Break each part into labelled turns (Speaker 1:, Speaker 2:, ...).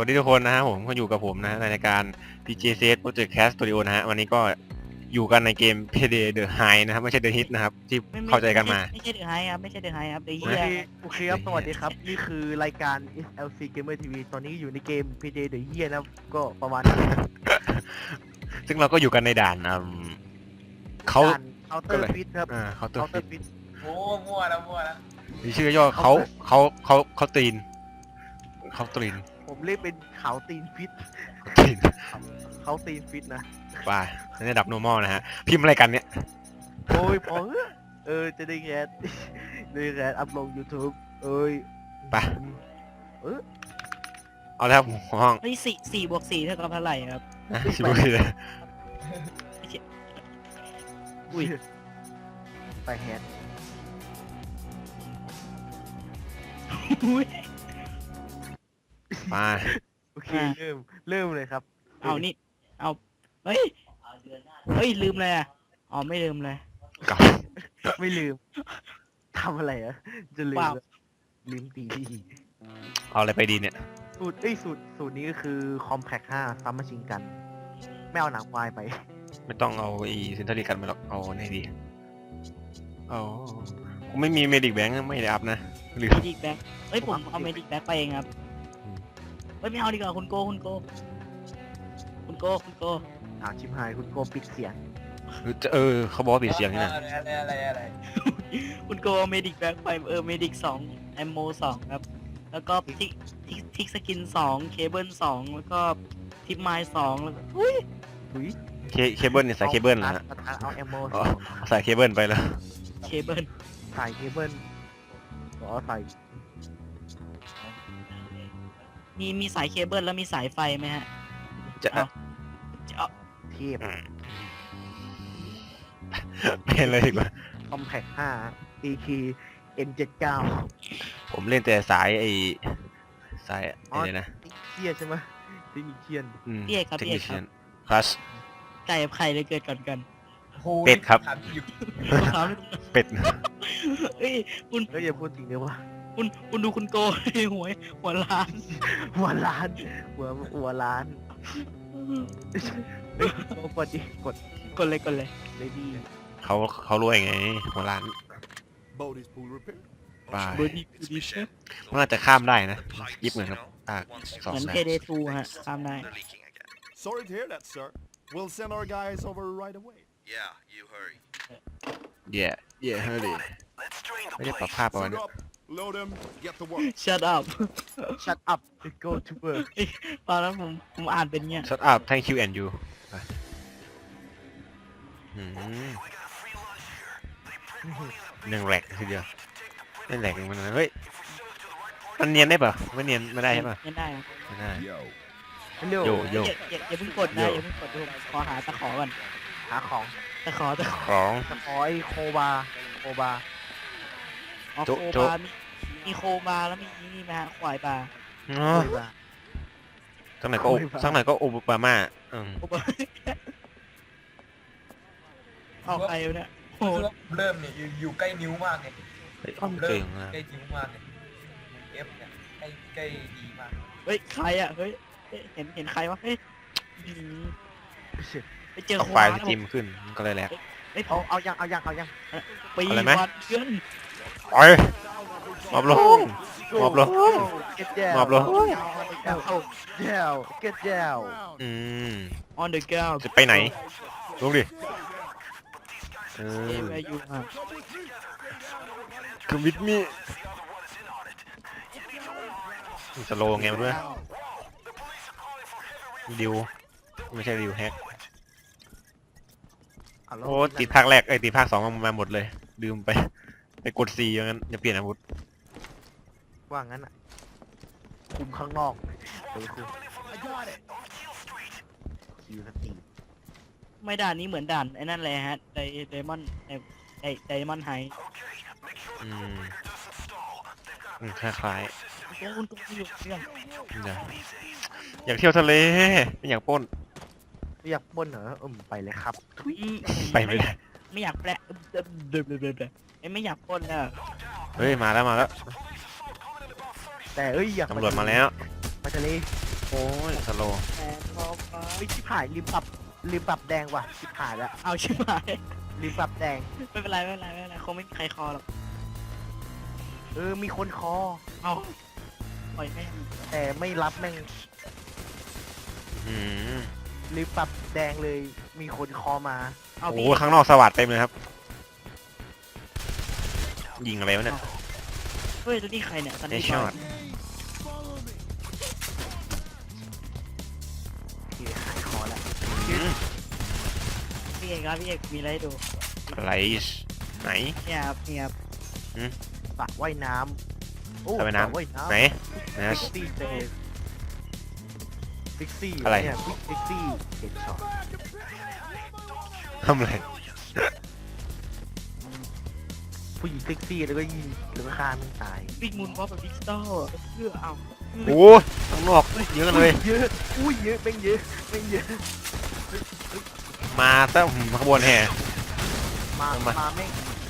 Speaker 1: วัสดีทุกคนนะฮะผมก็อยู่กับผมนะในรายการ PJCS Project Cast Studio นะฮะวันนี้ก็อยู่กันในเกม Payday The High นะครับไม่ใช่ The Hit นะครับที่เข้าใจกันมา
Speaker 2: ไม่ใช่เดือดไฮครับไม่ใช่เดือดไฮครับเดือด
Speaker 3: โอ
Speaker 2: เฮีย
Speaker 3: เคโอเคครับสวัสดีครับ นี่คือรายการ SLC Gamer TV ตอนนี้อยู่ในเกม PJ The Year นะครับก็ประมาณนี้
Speaker 1: ซึ่งเราก็อยู่กันในด่านเขา
Speaker 3: เคาน์เตอร์ฟิตครับ
Speaker 1: เคาน์เตอ
Speaker 3: เคา
Speaker 1: ร์
Speaker 3: น์เตอ
Speaker 1: ฟิต
Speaker 3: ร์ฟิต
Speaker 4: โอ้มั่วแล้ว
Speaker 1: มีชื่อย่อเขาตีนเขาตีน
Speaker 3: ผมเรียกเป็นเขาตีนฟิต
Speaker 1: ตีน
Speaker 3: เขาตีนฟิตนะ
Speaker 1: ไปในระดับ normal นะฮะพิมพ์อะไรกันเนี่ย
Speaker 3: โอ้ยพอจะได้แกสได้แกสอัพลง YouTube เอ้ย
Speaker 1: ไปเอาแล้วครับหัวห้อง
Speaker 2: เฮ้ยสี่บวกสี่เท่ากับเท่าไหร่ครับ
Speaker 1: นะชิบุเลย
Speaker 2: อุ้ย
Speaker 3: ไปแฮน
Speaker 2: อุ้ย
Speaker 1: มา
Speaker 3: โอเคเริ่มเลยครับ
Speaker 2: เอานี่เอาเฮ้ยเฮ้ยลืมเลยอ่ะอ๋อไม่ลืมเลย
Speaker 1: กับ
Speaker 3: ไม่ลืมทำอะไรอะจะลืม
Speaker 2: เปล่า
Speaker 3: ลืมตีดี
Speaker 1: เอาอะไรไปดีเนี่ย
Speaker 3: สูตรนี้ก็คือ Compact 5 ซัมมาชิงกัน ไม่เอาหนังควายไป
Speaker 1: ไม่ต้องเอาอีเซนเตอร์กันมาหรอกเอาไหนดีเอาผมไม่มีเมดิกแบงค์ไม่ได้อัพนะหรือ
Speaker 2: เมดิกแบ็คเฮ้ยผมเอาเมดิกแบ็คไปเองครับเฮ้ยไม่เอาดีกว่าคุณโกคุณโก
Speaker 3: ถามชิมหายคุณโกปิดเสียง
Speaker 1: เขาบอกว่าปิดเสียงนี่นะ
Speaker 4: อะไร
Speaker 2: คุณโกเอาเมดิกแบ็คไปเมดิก2แอมโม2ครับแล้วก็ทิกสกิน2เคเบิล2แล้วก็ทิปไมล์2แล้วก็อุ้ย
Speaker 3: ถุย
Speaker 1: เคเบิลเนี่ยสายเคเบิลนะฮะ
Speaker 3: เอาแอมโม
Speaker 1: อ๋อสายเคเบิลไปแล้ว
Speaker 2: เคเบิล
Speaker 3: ใส่เคเบิลอ๋อใส่
Speaker 2: มีสายเคเบิลแล้วมีสายไฟไหมฮะ
Speaker 1: จะ
Speaker 2: เอา
Speaker 3: เทพ
Speaker 1: เป็นเลยดีกว่า
Speaker 3: Compact 5 AK M79
Speaker 1: ผมเล่นแต่สายสายอะไรนะ
Speaker 3: เทียใช่ไหมที่มีเทียน
Speaker 1: เทคนิคคลาส
Speaker 2: ไก่กับไข่เลยเกิดก่อนกัน
Speaker 1: เป็ดครับ
Speaker 2: ถาม
Speaker 1: เป็ด
Speaker 2: เฮ้ยคุณ
Speaker 3: ก็อย่าพูดจริงเลยว่า
Speaker 2: คุณดูคุณโกหัวล้าน
Speaker 3: หัวล้านหัวล้านเฮ้ยโกดดิกด
Speaker 2: กดเลย
Speaker 3: เลดี้
Speaker 1: เขารวยไงหัวล้าน
Speaker 5: Boat is full repair.
Speaker 1: ไป
Speaker 2: เบอร์ดี้คือดีเชฟ
Speaker 1: มันอาจจะข้ามได้นะยิบเหมือนครับสอง
Speaker 2: เหมือน
Speaker 1: แส
Speaker 2: เพ
Speaker 1: น
Speaker 2: เดทูฮะตามได้
Speaker 5: Sorry to hear that, sir. We'll send our guys over right away.
Speaker 6: Yeah, you hurry.
Speaker 1: เย่เฮ้ยไม่ได้ปรับภาพเอาไว้
Speaker 5: Suit
Speaker 1: เนี่ย
Speaker 5: up, load them, get to work.
Speaker 2: shut up
Speaker 3: shut up go to work
Speaker 2: ตอนนั้นผมอ่านเป็นเงี้ย
Speaker 1: shut up thank you and you ไปหนึ่งแหลกทีเดียวไม่แหลกมันนะเฮ้ยมันเนียนได้ป่ะไม่เนียนไม่ได้ใช่ป่ะ
Speaker 2: ไม่ได้ครับ
Speaker 1: ไม่ได้
Speaker 5: Yo.
Speaker 3: เร็ว
Speaker 1: โย
Speaker 2: อย่าเพิ่งกดนะอย่าเพิ่งกดผมขอหาตะขอก่อน
Speaker 3: หาของ
Speaker 2: ตะขอ
Speaker 1: ของ
Speaker 3: ตะขอไอ้โคบา
Speaker 2: อ๋อ
Speaker 1: โจ๊ะ
Speaker 2: โค
Speaker 1: โจ๊ะ
Speaker 2: บามีโคบาแล้วมีนี่ไหมฮะควายบา
Speaker 1: อ๋อทั้งไหนก็โอบามา
Speaker 2: โคบาเอาใครวะเนี่ยโห
Speaker 4: เริ่มเนี่ยอยู่ใกล้นิ้วมากเนี่ย
Speaker 1: เฮ้ย
Speaker 4: เริ่
Speaker 1: เก่
Speaker 4: ม
Speaker 1: งนะ
Speaker 4: ใกล้นิ้วมากเนี่ย F เนี่ยใกล้ดีมาก
Speaker 2: เฮ้ยใครอ่ะเฮ้ยเห็นใครวะเฮ้ยไปเจอ
Speaker 1: เอา
Speaker 2: โค
Speaker 1: ไฟ
Speaker 2: บา
Speaker 1: ล์สตรีมขึ้นมันก็เลยแหลก
Speaker 2: เฮ้ย
Speaker 3: เอายัง
Speaker 2: ปี
Speaker 1: อะไรไหม
Speaker 2: วันเดือน
Speaker 1: ไปมอบลง มอบลง
Speaker 3: get down
Speaker 1: มอบลง
Speaker 3: get down
Speaker 2: on the ground
Speaker 1: จะไปไหนลงดิ
Speaker 2: where you are
Speaker 1: คือวิดมีสโลไงด้วยดิวไม่ใช่ดิวแฮกโอ้ติดภาคแรกติดภาคสองมาหมดเลยลืมไปกด C อย่างนั้นจะเปลี่ยนอาวุธ
Speaker 3: ว่างั้นอ่ะคุมข้างนอกคุมคิวสตี
Speaker 2: ไม่ด่านนี้เหมือนด่านไอ้นั่นเลยฮะไดมอนไดมอนไฮ
Speaker 1: คล้าย
Speaker 2: คุณตัวอยู่เรื่อง
Speaker 1: ๆอยากเที่ยวทะเลไม่อยากปล้น
Speaker 3: อยากปล้นเหรอไปเลยครับ
Speaker 1: ไปไม่ได้
Speaker 2: ไม่อยากแปลไม่อยากปล้นแล้ว
Speaker 1: เฮ้ยมาแล้ว
Speaker 3: แต่อยาก
Speaker 1: ตำรวจมาแล้ว
Speaker 3: ไปทะเล
Speaker 1: โอ้ยสโลว์
Speaker 2: แต่พอฟ้า
Speaker 3: เฮ้ยชิบหายลืมปรับแดงว่ะชิบหายแล้ว
Speaker 2: เอาชิบหาย
Speaker 3: ลืมปรับแดง
Speaker 2: ไม่เป็นไรไม่เป็นไรไม่เป็นไรคงไม่มีใครคอหรอก
Speaker 3: มีคนคอ
Speaker 2: เอาปล่อยแม่ง
Speaker 3: แต่ไม่รับแม่ง
Speaker 1: อืม
Speaker 3: ลืมปรับแดงเลยมีคนคอมา
Speaker 2: เอา
Speaker 1: โอ้
Speaker 2: พี่
Speaker 1: โหข้างนอกสวัสดเต็มเลยครับ ยิงอะไรวะเนี่ย
Speaker 2: เฮ้ยตัวนี้ใครเนี่ยซัน
Speaker 1: ไอ
Speaker 2: นี่
Speaker 1: ช็
Speaker 2: บ
Speaker 1: อ
Speaker 2: อ
Speaker 1: ต
Speaker 2: ย
Speaker 3: ที่หายคอแล้ว
Speaker 2: พี่เอกครับพี่เอกมีอะไรให้ดู
Speaker 1: อะไรไหน
Speaker 2: เนี่ยครับเนี่ยครับ
Speaker 3: สระว่ายน้ำโอ้
Speaker 1: สระว่ายน้ำ
Speaker 3: สระว่ายน้ำ
Speaker 1: ไหนนะ
Speaker 3: เซ็กซี่จังเลยเซ็กซี่
Speaker 1: อะไร
Speaker 3: เนี่ยเซ็กซี่เห็นช็อต
Speaker 1: ทำอะไร
Speaker 3: ผู้หญิงเซ็กซี่แล้วก็ยิงแล้วก็ฆ่ามันตาย
Speaker 2: บิ๊กมูนวอลแบบดิจิตอลเพื่อเอา
Speaker 1: โอ้ยข้างนอกเยอะเลย
Speaker 3: เยอะอุ้ยเยอะแม่งเยอะแม่งเยอะ
Speaker 1: มาซะขบวนแห่
Speaker 3: มา
Speaker 1: เอามา
Speaker 3: มาแม่ง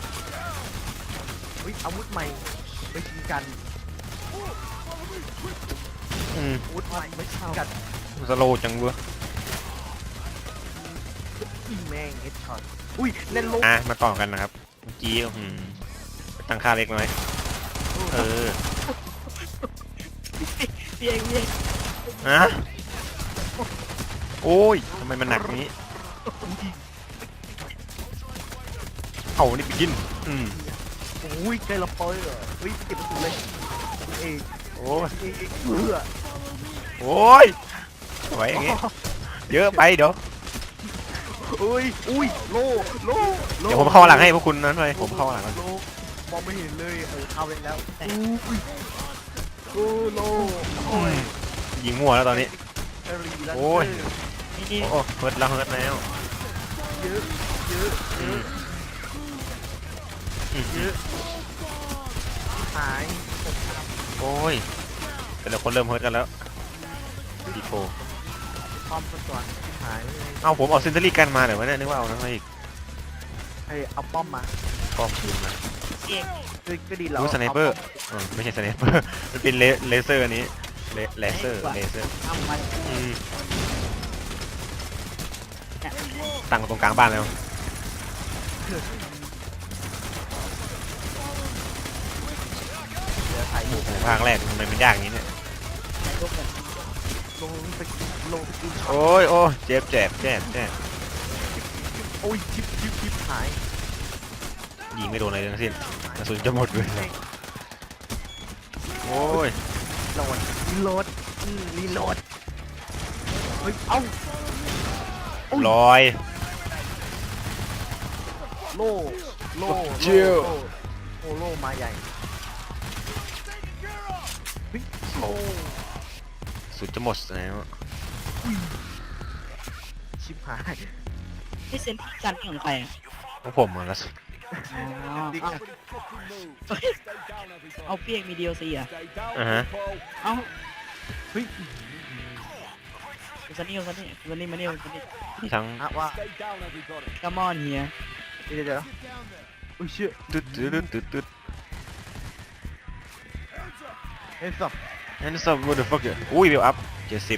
Speaker 3: อุ้ยอาวุธใหม่ไปชิงกัน
Speaker 1: อืม
Speaker 3: อาวุธใหม่ไปชิงกัน
Speaker 1: สโลว์จังเว้ย
Speaker 3: อีแม่งเฮดช็อตอุ้ยเล่นลง
Speaker 1: มาต่อกันนะครับเมื่อกี้ตั้งค่าเล็กน้อยเออ
Speaker 2: พี่เอกพี่เอก
Speaker 1: ฮะโอ้ยทำไมมันหนักนี้เอานี่ไปกิน
Speaker 3: อุ้ยใจละเปอยเหรออุ้ยเก็บประตูเลยคุณเอก
Speaker 1: โอ้ย
Speaker 3: เอกเบื่อ
Speaker 1: โอ้ยไหวอย่างงี้เยอะไปเดี๋ยว
Speaker 3: อุ้ยอุ้ยโลโล
Speaker 1: เดี๋ยวผมเข้าหลังให้พวกคุณนั้นเลยผมเข้าหลังกัน
Speaker 3: โลมองไม่เห็นเลยเข้าไปแล้วอุ้ยโอ้โลโอ้ย
Speaker 1: ยิงมั่วแล้วตอนนี้
Speaker 3: เอรีแล้ว
Speaker 1: โอ้ย
Speaker 2: นี่นี่
Speaker 1: โอ้เฮิร์ตแล้วเฮิร์ตแล้ว
Speaker 3: เยอะเยอะเยอะเยอะหาย
Speaker 1: โอ้ยแต่ละคนเริ่มเฮิร์ตกันแล้วดีโฟ
Speaker 3: พร้อมกันก่อนหายเลย
Speaker 1: เอาผมเอาเซนเตอรี่กันมาเดี๋ยววะเนี่ยนึกว่าเอานั่นมาอีก
Speaker 3: ให้เอาป้อมมา
Speaker 1: ป้อมปืนมา
Speaker 2: พี่เอก
Speaker 3: ก็ดีแล้ว
Speaker 1: รู้สไนเปอร์ไม่ใช่สไนเปอร์มันเป็นเลเซอร์อันนี้เลเซอร์
Speaker 2: เอามา
Speaker 1: ตั้งตรงกลางบ้านแล้ว
Speaker 3: เหลือถ่าย
Speaker 1: โอ้โหภาคแรกทำไมมันยากอย่างนี้เนี่ย
Speaker 2: ลูกกัน
Speaker 3: ลงสกินลงสกิน
Speaker 1: โอ้ยโอ้ยเจ็บ
Speaker 3: โอ้ยชิปหาย
Speaker 1: ยิงไม่โดนอะไรทั้งสิ้นกระสุนจะหมดเลยโอ้ย
Speaker 3: โหลดรีโหลดรีโหลดเฮ้ยเอ้า
Speaker 1: ลอย
Speaker 3: โล่โล่
Speaker 1: เชี่ยว
Speaker 3: โอ้โล่มาใหญ่เฮ้ยโอ้
Speaker 1: สุดจะหมดแล้ว
Speaker 3: ชิบหาย
Speaker 2: นี่เซนที่กันนี่ของใครอ่ะ
Speaker 1: ของผมอ่ะแล้ว
Speaker 2: อ๋อเอาพี่เอกมี DLC อ่ะ
Speaker 1: อ่าฮะ
Speaker 2: เอา
Speaker 3: เฮ้ย
Speaker 2: คุณซันนี่คุณซันนี่คุณซันนี่มานี่คุณซันนี่
Speaker 1: มีทั้ง
Speaker 3: อะว่า
Speaker 2: กัมมอนเฮีย
Speaker 3: เดี๋ยวอุ้ยเชื่อ
Speaker 1: ตึ๊ด
Speaker 3: เฮ้ยสับ
Speaker 1: and some motherfucker อุ้ยเวลอัพ70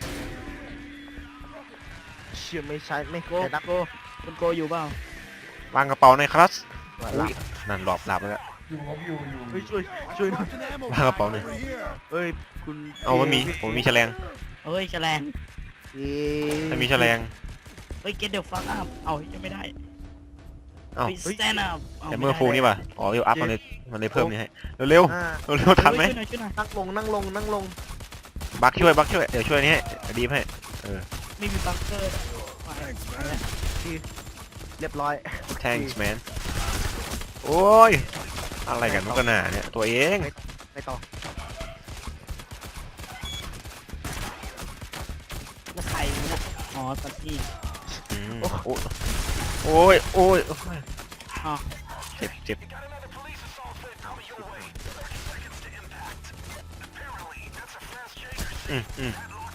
Speaker 3: เชื่อไม่ใช่ไม่
Speaker 2: โก
Speaker 3: แต่นัก
Speaker 2: โกคุณโกอยู่เปล่าว
Speaker 1: างกระเป๋าในอยครับ
Speaker 3: ว่า
Speaker 1: อุ้
Speaker 3: ละ
Speaker 1: ยนั่นหลบแล้ว
Speaker 3: เฮ้ยช่วยหน่อย
Speaker 1: วางกระเป๋าหน่อย
Speaker 3: เฮ้ยคุณ
Speaker 1: เอาไม่มีผมมีแฉลง
Speaker 2: เฮ้ยแฉลง
Speaker 1: ถ้ามีแฉลง
Speaker 2: เฮ้ย get the fuck up เอายังไม่ได้
Speaker 1: เอ้า
Speaker 2: เฮ้ย stand up า
Speaker 1: แต่เมื่อฟูนี่ป่ะอ๋อเวลอัพมันเลยเพิ่มนี่ให้เร็ว
Speaker 3: อ่า
Speaker 1: ๆเร็วๆทันไหม
Speaker 2: ช่วยหน่อยช่วยหน่อย
Speaker 3: นั่งลง
Speaker 1: บักช่วยเดี๋ยวช่วยนี่ให้ดีมให้
Speaker 2: ไม่มีบังเกอร์ด้วยไปแล้ว
Speaker 3: เรียบร้อย
Speaker 1: thanks man โอ้ยอะไรกันนุกกันหนาเนี่ยตัวเอง
Speaker 3: ไปต่อ
Speaker 2: แล้วใครเนี่ยอ๋อซันนี่
Speaker 1: อืมโอ้ย
Speaker 2: อ๋อ
Speaker 1: เจ็บอืม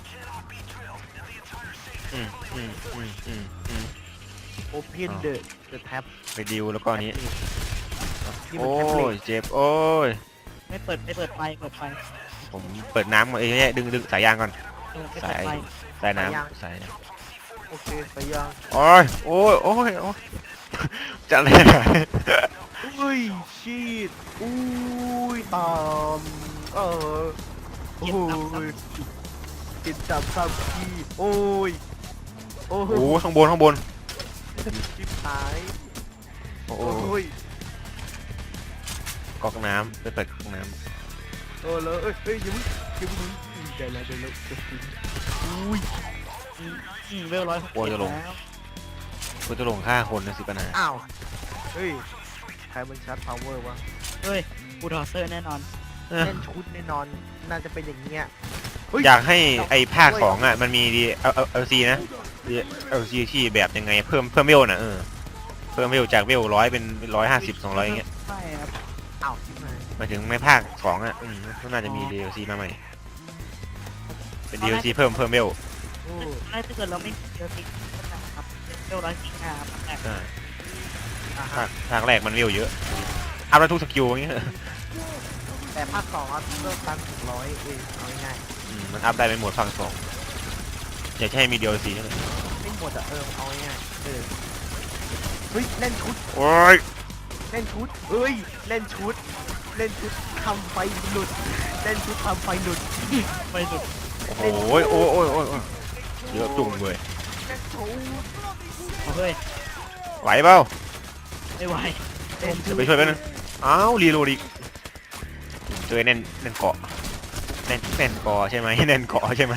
Speaker 3: โอเพนเดอะแท็บ
Speaker 1: ไปดิวแล้วก็อันนี้
Speaker 3: นี่มัน
Speaker 1: โอ้
Speaker 3: แท็บเล็
Speaker 1: ย
Speaker 3: ต
Speaker 1: เจ็บโอ้ย
Speaker 2: ไม่เปิดไฟ
Speaker 1: ผมเปิดน้ำก่อนดึงสายยางก่อน
Speaker 2: ไม่
Speaker 1: สา
Speaker 2: ใช่
Speaker 1: ย
Speaker 2: ไป
Speaker 1: สายน้ำสาย
Speaker 3: โอเคไปยัง
Speaker 1: โอ้ยโอ้ยโอ้ยโอ้ยจะอะไรนะ
Speaker 3: อุ้ยชีดอุ้ยตามโอ้ยกินจับซ้ำทีโอ้ยโอ้
Speaker 1: โอ้ยข้างบนข้างบน
Speaker 3: ชิบหาย
Speaker 1: โอ้
Speaker 3: โอ้ย
Speaker 1: ก๊อกน้ำไปเปิดก๊อกน้
Speaker 3: โอ้เลยเอ้ยยังไม่ได้แล้วอุ้ย
Speaker 2: เวล160แล้ว
Speaker 1: ำกูจะลงฆ่าคนนะสิปัญหา
Speaker 3: อ้าวเฮ้ยใครมันชัดพาวเวอร์วะ
Speaker 2: เฮ้ยบูทอเซอร์แน่นอน
Speaker 3: เล่นชุดแน่นอนน่าจะเป็นอย่างเงี้ยเฮ้
Speaker 1: อยากให้ไอ้ภาคสองอ่ะมันมีดีเอาซีนะเอาซีที่แบบยังไงเพิ่มเวลน่ะเพิ่มเวลจากเวล100เป็น150 200อย่างเงี้ย
Speaker 2: ใช่ครับ
Speaker 3: อ้าวชิบหาย
Speaker 1: หมายถึงในภาคสองอ่ะก็น่าจะมี DLC มาใหม่เป็น DLC เพิ่มเวล
Speaker 3: โอ้
Speaker 2: ถ้าเกิดเราไม่เจอติ๊กครับเวล145ครับแต่
Speaker 1: ใช่
Speaker 3: อ่ะ
Speaker 1: ภาคแรกมันเวลเยอะอัพแล้วทุกสกิลอย่างเงี้ย
Speaker 3: แต่ภาคสองอ่ะเริ่มตั้งถึง100เองเอาง่าย
Speaker 1: มันอัพได้เป็นโหมดภาคสองอยากจะให้มี DLC ใช่ไหม
Speaker 3: ๆไม่หมดอ่ะเอาง่ายๆเฮ้ยเล่นชุด
Speaker 1: โอ้ย
Speaker 3: เล่นชุดเฮ้ยเล่นชุดทำไฟหลุดเล่นชุดทำไฟหลุด
Speaker 2: ไปสุด
Speaker 1: โอ้ยโอ้ยโอ้ยโอ้ยเยอะจุ่มเลย
Speaker 3: เล่นชุด
Speaker 2: เฮ้ย
Speaker 1: ไหวเปล่า
Speaker 2: ไม่ไหว
Speaker 3: เล่นชุ
Speaker 1: เดี๋ย
Speaker 3: ด
Speaker 1: วไปช่วยแป๊บนึงอ้าวรีโหลดอีกเจอแน่นเกาะแน่นเกาะใช่ไหมแน่นเกาะใช่ไหม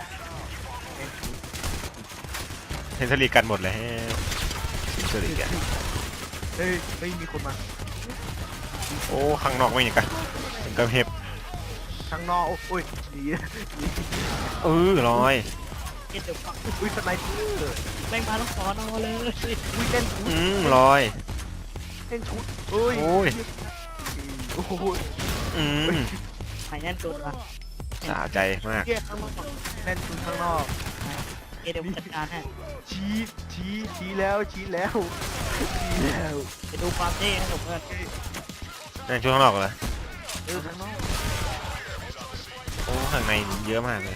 Speaker 1: เฮนสลีกันหมดเลยเฮนสลีกัน
Speaker 3: เฮ้ยมีคนมา
Speaker 1: โอ้ข้างนอกไม่อย่างกันเป็นกระเห็บ
Speaker 3: ข้างนอกโอ้ยดี
Speaker 1: ลอย
Speaker 2: เก็ตเดี๋ยวฟัง
Speaker 3: อุ้ยสไนเปอร์
Speaker 2: แม่งมาแล้วขอนอนเลย
Speaker 3: อุ้ยเล่นชุด
Speaker 1: ลอย
Speaker 3: เล่นชุดเอ้ย
Speaker 1: โอ้ย
Speaker 3: โอ้โห
Speaker 2: หายแน่นสุดละ
Speaker 1: สะใจมาก
Speaker 3: เกียร์ข้างนอกเล่นชุดข้างนอก
Speaker 2: เก็ตเดี๋ยวจัดการให้
Speaker 3: ชี้แล้วชี้แล้ว
Speaker 2: ไปดูความเท่นะผมเพื่อน
Speaker 1: นั่นช่วงข้างนอกเหรอ
Speaker 3: ข้างนอก
Speaker 1: โอ้ข้างในเยอะมากเลย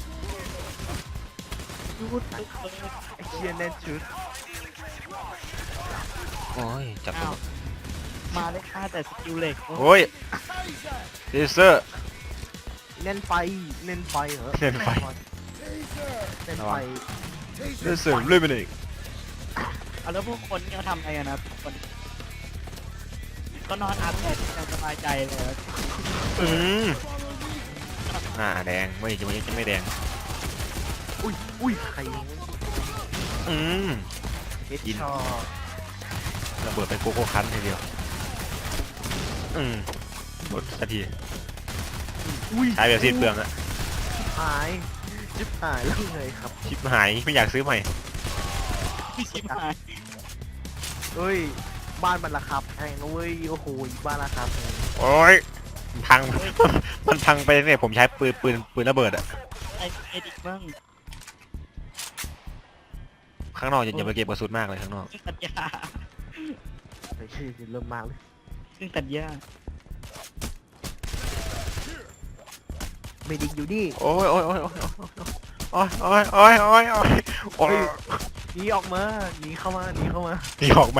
Speaker 2: ยูด
Speaker 3: ไอ้เชียเล่นชุด
Speaker 1: โอ้ยจับตัว
Speaker 2: มาได้ค่าแต่สกิลเหล็ก
Speaker 1: โอ้ยเลเซอร์
Speaker 3: เล่นไฟเหรอ
Speaker 1: เล่นไฟ
Speaker 3: เล่นไฟ
Speaker 1: เลเซอร์เลยไปเลย
Speaker 2: เอาแล้วพวกคนที่เขาทำอะไรกันนะคนก็นอนอัพเดทอย่างสบายใจเลย
Speaker 1: แดงจะไม่แดง
Speaker 3: อุ้ยใคร เฮด
Speaker 1: ยิน
Speaker 3: ชอ
Speaker 1: ระเบิดเป็นโกโก้คันทีเดียวหมดสักที
Speaker 3: อุ้ย
Speaker 1: ใช้แบบสิ้นเปลืองอะ
Speaker 3: หายชิบหายแล้วไงครับ
Speaker 1: ชิปหายไม่อยากซื้อใหม่
Speaker 2: พี่ชิบหาย
Speaker 3: เฮ้ยบ้านมันราคาแพงนะเว้ยโอ้โหบ้านราคาแพง
Speaker 1: โอ้ยพัง มันพังไปเนี่ยผมใช้ปืนระเบิดอะ
Speaker 2: ไอ้เอดิกบ้าง
Speaker 1: ข้างนอกอย่าไปเก็บกระสุนมากเลยข้างนอก
Speaker 2: ซึ่งตัดหญ้า
Speaker 3: ไอ้เชี่ยเริ่มมาเลย
Speaker 2: ซึ่งตัดหญ้า
Speaker 3: เมดิกอยู่นี่
Speaker 1: โอ้ยโอ้ยโอ้ยโอ้ยโอ้ยโอ้ยโอ้ยโอ้ยโอ้ยโอ้ย
Speaker 3: หนีออกมาหนีเข้ามา
Speaker 1: นี่ออกมา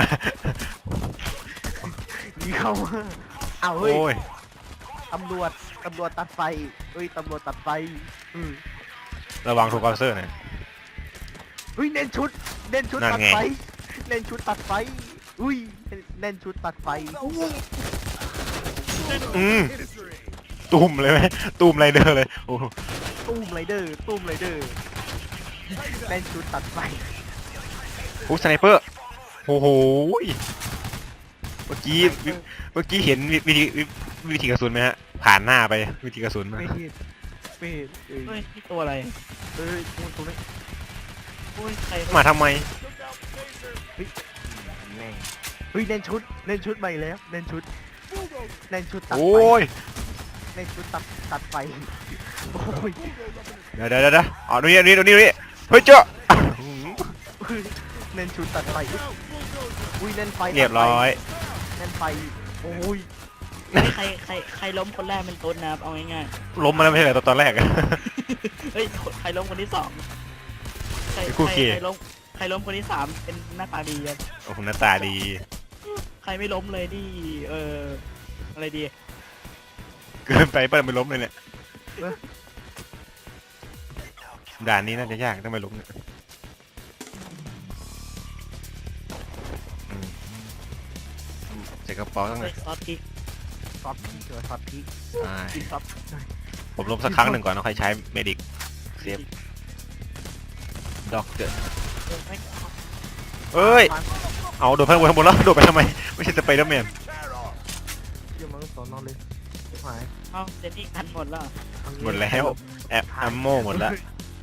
Speaker 3: หนีเข้ามาอ้าวเฮ้ย
Speaker 1: โอ้ย
Speaker 3: ตำรวจตัดไฟเฮ้ยตำรวจตัดไฟม
Speaker 1: ระวังถูกกอเซอร์นะ
Speaker 3: เฮ้ยเน้นชุด
Speaker 1: นั่
Speaker 3: ตั
Speaker 1: น
Speaker 3: ด
Speaker 1: ไง
Speaker 3: ไฟเน้นชุดตัดไฟอุ้ยเน้นชุดตัดไฟ
Speaker 1: ตุ่มเลยไหมตุ่มไรเดอร์เลยโอ้
Speaker 3: ตุ้มไรเดอร์เน้นชุดตัดไฟ
Speaker 1: โหสไนเปอร์โอ้โหเมื่อกี้เห็นวิธีกระสุนไหมฮะผ่านหน้าไปวิธีกระสุนมา
Speaker 3: ไม่เห็นเอ้ย
Speaker 2: เฮ้ยนี่ตัวอะไร
Speaker 3: เอ้ยตรงนี้
Speaker 2: โอ้ยใคร
Speaker 1: มาทำไม
Speaker 3: แม่งเฮ้ยเน้นชุดใหม่แล้วเน้นชุดตัด
Speaker 1: โอ้
Speaker 3: ไฟ
Speaker 1: ย
Speaker 3: เน้นชุดตัดไฟโอ้ย
Speaker 1: เดี๋ยวอ๋อนี่เฮ้ยเจ้า
Speaker 3: เน้นชุดตัดไฟอุ้ยเล่นไฟ
Speaker 1: เรียบร้อย
Speaker 3: เล่นไฟโอ้ย
Speaker 2: ใครล้มคนแรกเป็นต้นนะครับเอาง่าย
Speaker 1: ล้มมาแล้วไม่ใช่เหรอตอนแรกอะ
Speaker 2: ๆเฮ้ยใครล้มคนที่สองใคร
Speaker 1: ไอ้คู่
Speaker 2: ใคร
Speaker 1: เกย์
Speaker 2: ใครล้มคนที่สามเป็นหน้าตาดีครับ
Speaker 1: โอ้โหหน้าตาดี
Speaker 2: ใครไม่ล้มเลยนี่อะไรดี
Speaker 1: เกินไปเปิ้ลไม่ล้มเลยเนี่ยด่านนี้น่าจะยากต้องไปล้มเนี่ยอืมใส่กระเป๋าตั้ง
Speaker 2: เฮ้
Speaker 1: เลย ย
Speaker 2: ซอสพริก
Speaker 3: ซอสพริกเจอซอสพริก
Speaker 2: กินซอส
Speaker 1: ผมล้มสักครั้งหนึ่งก่อนแล้วค่อยใช้เมดิกเซฟด็อกเตอร์
Speaker 2: ไม่
Speaker 1: เอ้ย เอาโดดไปข้างบนแล้วโดดไปทำไม ไม่ใช่สไปเดอร์แมน
Speaker 3: เยี่ยมมันสอนนอนเลยหาย
Speaker 2: เอาเจนนี่กันหมดแล้ว
Speaker 1: หมดแล้วแอปอัมโมหมดแล้ว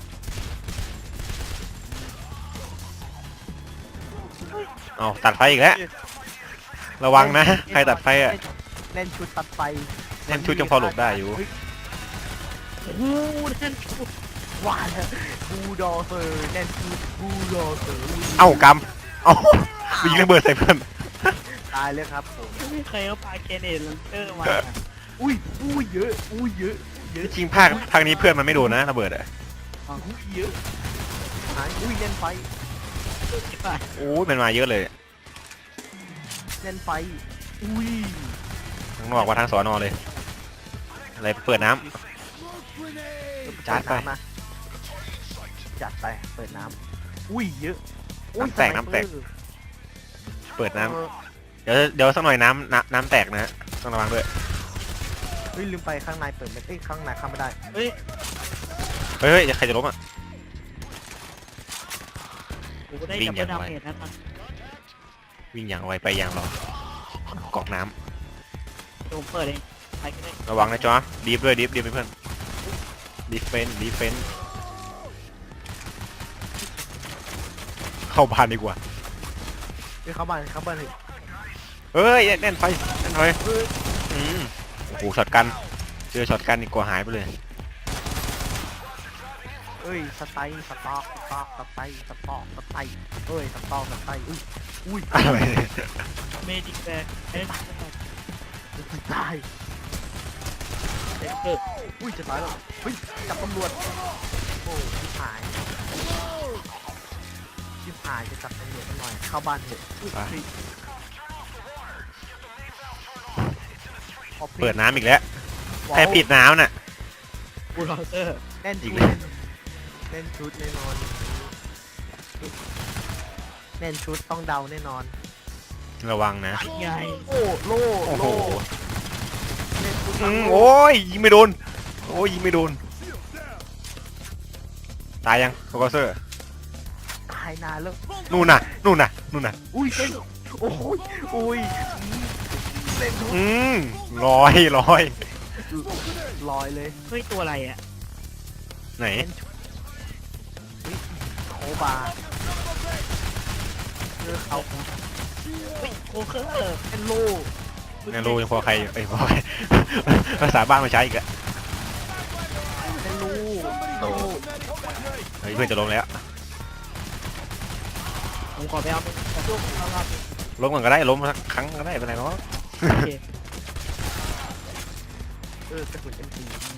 Speaker 1: เอาตัดไฟอีกแล้วระวังนะใครตัดไฟอ่ะ
Speaker 3: เล่นชุดตัดไฟ
Speaker 1: เล่นชุดยังพอหลบได้อยู่
Speaker 2: โอ้โหนั่นกู
Speaker 3: ว่าแล้วบูดอเซอร์เล่นชุดบูดอเซอร์
Speaker 1: เอ้ากำเอ้ายิงระเบิดใส่เพื่อน
Speaker 3: ตายเลยครับผม
Speaker 2: ไม่เคยเอาปลาเกเนตลันเตอร์มา
Speaker 3: อุ้ยเยอะเยอะเยอะ
Speaker 1: จริงๆภาคนี้เพื่อนมันไม่โดนนะระเบิดอ่ะ
Speaker 3: เยอะหายเล่นไฟ
Speaker 1: โอ้ยมันมาเยอะเลย
Speaker 3: เล่นไฟ
Speaker 1: ทั้งนอกว่าทางสอนอเลย อะไรเปิดน้ำ จัดไป
Speaker 3: นะจัดไปเปิดน้ำเยอะ
Speaker 1: น้ำแตกเปิดน้ำเดี๋ยวสักหน่อยน้ำแตกนะฮะต้องระวังด้วย
Speaker 3: ลืมไปข้างในเปิดไม่ข้างในเข้าไม่ได้
Speaker 2: เฮ้ย
Speaker 1: เฮ้ยใครจะล้มอ่ะ
Speaker 2: กูได้
Speaker 1: วิ่ง
Speaker 2: ดับ
Speaker 1: อ
Speaker 2: เบิ
Speaker 1: ย่างไว
Speaker 2: ลดาเมจนะมัน
Speaker 1: วิ่งอย่างไวไปอย่างรอ กรอกน้
Speaker 2: เดี๋ยวผมเปิดเองใครก็ได้
Speaker 1: ำระวังนะจ๊อดีฟด้วยดีฟไปเพื่อนดีเฟนเข้าบ้านดีกว่า
Speaker 3: เข้าบ้านเลย
Speaker 1: เฮ้ยแน่นไฟอืมโอ้โหช็อตกันเจอช็อตกันอีกกว่าหายไปเลย
Speaker 3: สไตล์สต็อกสไตล์สต็อกสไตล์สต็อกสไตล์อุ้ย
Speaker 1: อะไร
Speaker 2: เมดิกแบกเอ้ย
Speaker 3: ตาย
Speaker 2: เด็กเกิด
Speaker 3: จะตายแล้วจับตำรวจโอ้ชิบหายจะจับตำรวจหน่อยเข้าบ้านเถอะ
Speaker 1: เปิดน้ำอีกแล้วใครปิดน้ำน่ะ
Speaker 2: บูลโดเซอร์
Speaker 3: เล่น
Speaker 1: อี
Speaker 3: ชุ
Speaker 1: ก
Speaker 3: ด
Speaker 1: แล้ว
Speaker 3: เล่นชุดแน่นอนเล่นชุดต้องเดาแน่นอน
Speaker 1: ระวังนะ
Speaker 2: ไง
Speaker 3: โอ้โล่
Speaker 1: โอ้โห
Speaker 3: เล่นชุด
Speaker 1: โอ้ยยิงไม่โดนโอ้ยยิงไม่โดนตายยังโคเซอร์
Speaker 3: ตายนานแล้ว
Speaker 1: นู่นน่ะ
Speaker 3: อุ้ยเล่นโอ้ยเล่นชุด
Speaker 1: อืมลอย
Speaker 3: ลอยเลย
Speaker 2: เฮ้ยตัวอะไรอ่ะ
Speaker 1: ไหน
Speaker 3: เล่นชุดโคบาเขา
Speaker 2: เฮ้ยโคเคอร์
Speaker 3: เล่นโล่
Speaker 1: งานรู้ยังพอใครพอใคร ภาษาบ้านมาใช้อีกอะ
Speaker 3: เล่นลูโล่
Speaker 1: เฮ้ยเพื่อนจะล้มแล้ว
Speaker 2: ผมขอไปเอาช่วงเอาครับ
Speaker 1: ล้มก่อนก็ได้ล้มสักครั้งก็ได้เป็นไรเนาะ
Speaker 2: โอเค
Speaker 3: กระสุน M4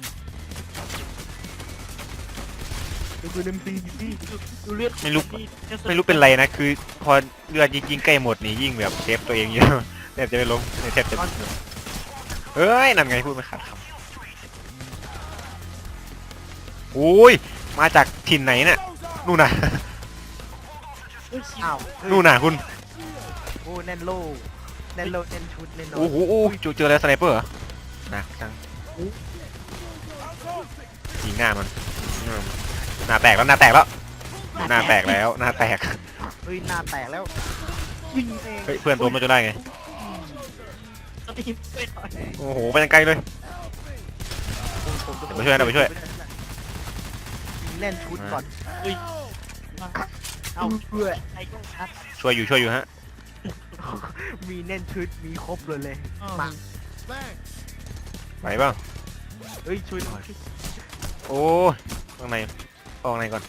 Speaker 3: กระสุน M4 พี่
Speaker 2: ดูเลือด
Speaker 1: ไม่รู้เป็นไรนะคือพอเลือดยิงใกล้หมดนี่ยิ่งแบบเซฟตัวเองเยอะแทบจะไม่ล้มแทบจะเฮ้ยนั่นไงพูดไม่ขาดคำโอ้ยมาจากถิ่นไหนเนี่ยนู่นน่ะ
Speaker 3: อ้าว
Speaker 1: นู่นน่ะคุณ
Speaker 3: โอ้แน่นโล่แน่นโล่แน่นชุดแน่นอน
Speaker 1: โอ้โหโอ้ยเจอแล้วสไนเปอร์เหรอหนักจังยิงหน้ามันหน้าแตกแล้วหน้าแตกแล้วหน้าแตกแล้วหน้าแตก
Speaker 3: เฮ้ยหน้าแตกแล้วยิงเอง
Speaker 1: เฮ้ยเพื่อนล้มมาจนได้ไง
Speaker 2: สตีฟไปหน่อย
Speaker 1: โอ้โหไปยังไกลเลย ไปช่วยนะไปช่วย
Speaker 3: เล่นชุดก่อน
Speaker 2: เฮ้ยเอา
Speaker 3: เพื่อ
Speaker 2: ไอ้ชัด
Speaker 1: ช่วยอยู่ฮะ
Speaker 3: มีเล่นชุดมีครบเลยมา
Speaker 1: ไหวเปล่า
Speaker 3: เฮ้ยช่วยหน่อย
Speaker 1: โอ้ยข้างในออกในก่อน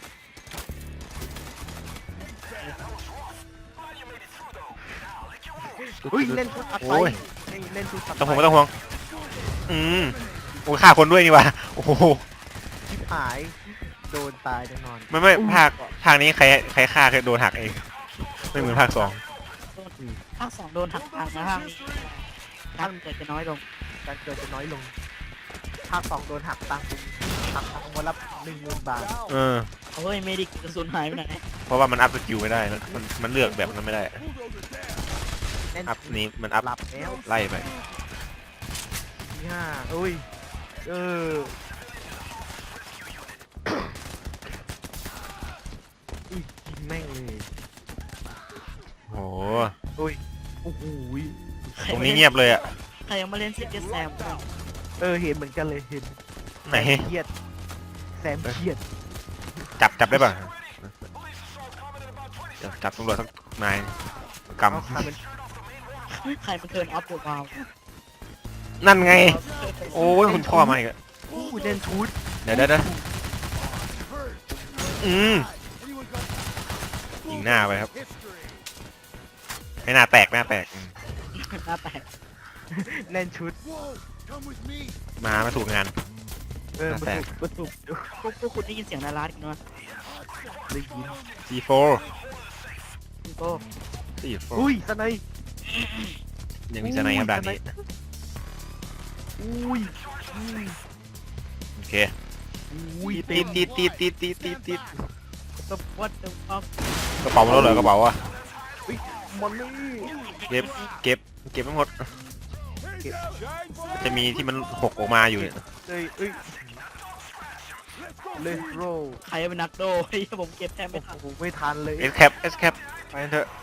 Speaker 3: เฮ้ยเล่นชุดอัดไฟ
Speaker 1: โอ้ย
Speaker 3: เล่นชุดอัด
Speaker 1: ต้อง
Speaker 3: ไฟ
Speaker 1: ห่วงไม่ต้องห่วงโอ้ยฆ่าคนด้วยนี่วะโอ้โห
Speaker 3: ชิบหายโดนตายแน่นอน
Speaker 1: ไม่ภาคนี้ใครฆ่าโดนหักเองไม่เหมือนภาค
Speaker 2: ภาค 2โดนหักทางนะภาคนี้การเกิดจะน้อยลง
Speaker 3: การเกิดจะน้อยลงภาค 2โดนหักตังค์หักตังค์วันละ10,000 บาท
Speaker 1: เออ
Speaker 2: เฮ้ยเมดิกกระสุนหายไปไหน
Speaker 1: เพราะว่ามันอัพสกิลไม่ได้มันเลือกแบบนั้นไม่ได้
Speaker 3: แน่น
Speaker 1: อัพนี้มันอัพ
Speaker 3: หลับแล้ว
Speaker 1: ไล่ไป
Speaker 3: ที่ห้าอุ้ยอุ้ยยิงแม่งเลย
Speaker 1: โอ้โห
Speaker 3: อุ้ยโอ้โห
Speaker 1: ตรงนี้เงียบเลยอะ
Speaker 2: ใครยังมาเล่นซิกเก็ตแซม
Speaker 3: เห็นเหมือนกันเลยเห็น
Speaker 1: ไหน
Speaker 3: เครียดแซมเครียด
Speaker 1: จับได้ป่ะจับตำรวจสักนายก
Speaker 3: เอาใครเป็น
Speaker 2: ใครมันเทิร์นออฟเดอะวาล
Speaker 1: ำนั่นไง โอ้ยคุณพ่อมาอีกแล้ว
Speaker 3: อู้เล่นชุด
Speaker 1: เดี๋ยวยิงหน้าไปครับ ให้หน้าแตก
Speaker 2: หน้าแตก
Speaker 3: เล่นชุด
Speaker 1: มาไม่ถูกงาน
Speaker 3: มา
Speaker 1: แตก
Speaker 3: ถูก
Speaker 2: พวกคุณได้ยินเสียงนาราดกันไหม
Speaker 3: ได้ยิน
Speaker 1: C4
Speaker 2: คุณโก้
Speaker 1: C4
Speaker 3: อุ้ยสไนป์
Speaker 1: ยังมีสไนด์ครับด่านนี้
Speaker 3: อุ้ย
Speaker 1: โอเค
Speaker 3: อุ้ย
Speaker 1: ติด
Speaker 2: ตัววัดตัวฟัก
Speaker 1: กระเป๋ามาแล้วเหรอกระเป๋าอะ
Speaker 3: มันนี่
Speaker 1: เก็บไม่หมด จะมีที่มันหกออกมาอยู่เนี่ย
Speaker 3: เอ้ยเลนโร
Speaker 2: ใครเป็นนักโดเฮ้ยผมเก็บแทบไม่ทัน
Speaker 3: โอ้โหไม่ทันเลย
Speaker 1: เอสแคปไปกันเถอะ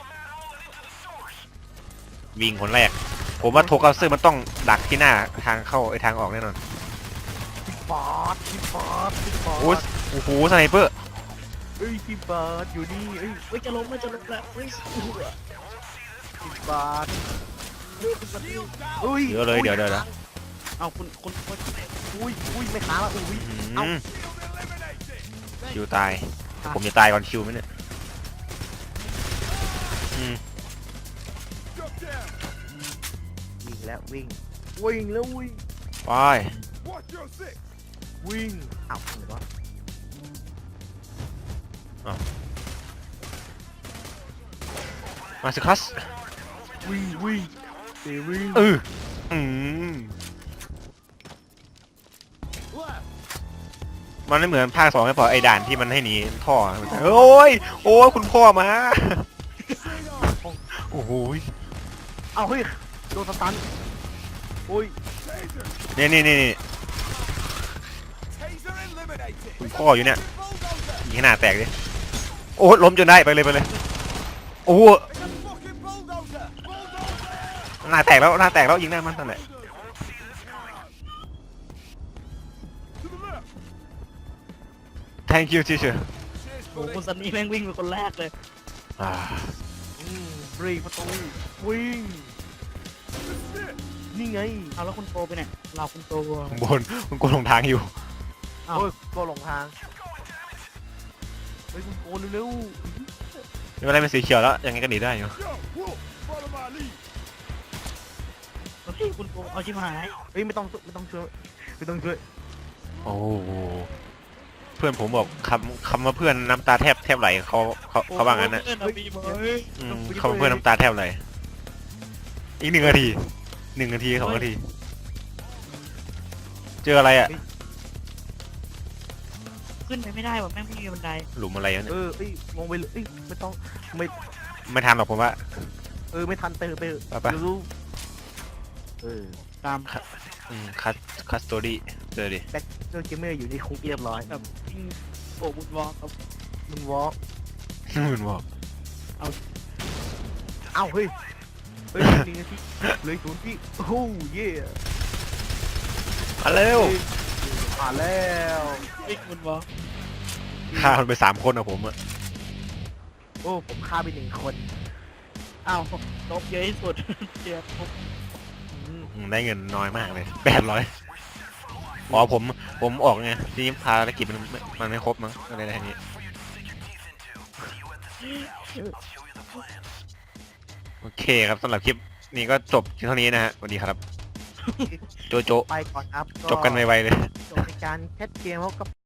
Speaker 1: วิ่งคนแรก ผมว่าโทกัสเซอร์มันต้องดักที่หน้าทางเข้าทางออกแน่นอน
Speaker 3: พี่บาส
Speaker 1: โอ้โหสไนเปอร์
Speaker 3: พี่บาสอยู่นี่เอ้ย
Speaker 2: เฮ้ยจะล้มแล้วเฮ้ย
Speaker 3: พี่บาสอุ้ย
Speaker 1: เดี๋ยวเลยเดี๋ยว
Speaker 2: เอาคุณ
Speaker 3: อุ้ยไม่ค้างแล้วอุ้ย
Speaker 1: คิวตายผมจะตายก่อนคิวไหมเนี่ย
Speaker 3: วิ่งแล้ววิ่งแล้ววิ่ง
Speaker 1: ไป
Speaker 3: วิ่งอ้าวเหรอ
Speaker 1: มาสิคัส
Speaker 3: วิ่งวิ่งวิ่ง
Speaker 1: มันไม่เหมือนภาค 2ไม่พอไอ้ด่านที่มันให้หนีท่อโอ้ยคุณพ่อมาโอ้โห
Speaker 3: เอาเฮ้ยโดนสตันโอ้ย
Speaker 1: นี่คุณพ่ออยู่เนี่ยยิงให้หน้าแตกดิโอ้ล้มจนได้ไปเลยโอ้หน้าแตกแล้วยิงหน้ามันนั่นแหละ thank you teacher
Speaker 2: โอ้คุณซันนี่แม่งวิ่งเป็นคนแรกเลย
Speaker 3: เบรกประตูวิ่งนี่ไง
Speaker 2: เอาแล้วคุณโตไปไหนเราคุณโต
Speaker 1: ข้างบนคุณโกลงทางอยู่
Speaker 2: เอา
Speaker 3: โอ้ยก็หลงทางเฮ้ยคุณโกนเร็ว
Speaker 1: ไม่เป็นไรเป็นสีเขียวแล้วยังไงก็หนีได้อยู่
Speaker 2: เฮ้ยคุณโตเอาชิบหาย
Speaker 3: เฮ้ยไม่ต้องช่วย
Speaker 1: โอ้โหเพื่อนผมบอกคำว่าเพื่อนน้ำตาแทบไหลเขาว่างั้นนะ
Speaker 2: เพื่อนเรามีไหม
Speaker 1: เขาเพื่อนน้ำตาแทบไหลอีก1 นาที2 นาทีเจออะไรอ่ะ
Speaker 2: ขึ้นไปไม่ได้ว่ะแม่งไม่มีบันได
Speaker 1: หลุมอะไรวะเนี่ย
Speaker 3: เอ้ยงงไปเลยไม่ต้องไม่
Speaker 1: ไม่ทันหรอกผมว่า
Speaker 3: ไม่ทันไป
Speaker 1: ไป
Speaker 3: รู้
Speaker 2: ตาม
Speaker 1: คัสโตดี้เจอดิ
Speaker 3: แบ็คเจอเกมเมอร์อยู่ในคุกเรียบร้อย
Speaker 2: แบบวิ่งโอ้บุญวอลครับ
Speaker 3: มึงวอล์ก
Speaker 1: มึงบอก
Speaker 3: เอ้าเฮ้ย1 นาทีเลย0 ที่โอ้เย่
Speaker 1: มาเร็ว
Speaker 3: ผ่านแล้ว
Speaker 2: วิ่งบุญวอล
Speaker 1: ฆ่ามันไป3 คนอะผมอะ
Speaker 3: โอ้ผมฆ่าไป1 คน
Speaker 2: อ้าวลบเยอะที่สุดเดี๋ยวผม
Speaker 1: ได้เงินน้อยมากเลย800อ๋อผมออกไงที่ภารกิจมันไม่ครบมั้งอะไรทางนี้โอเคครับสำหรับคลิปนี้ก็จบเท่านี้นะฮะสวัสดีครับ โจโจ
Speaker 3: ไปก่อนครับ
Speaker 1: จบกันไวๆเลย
Speaker 3: จบในการแคสเกมเขากับ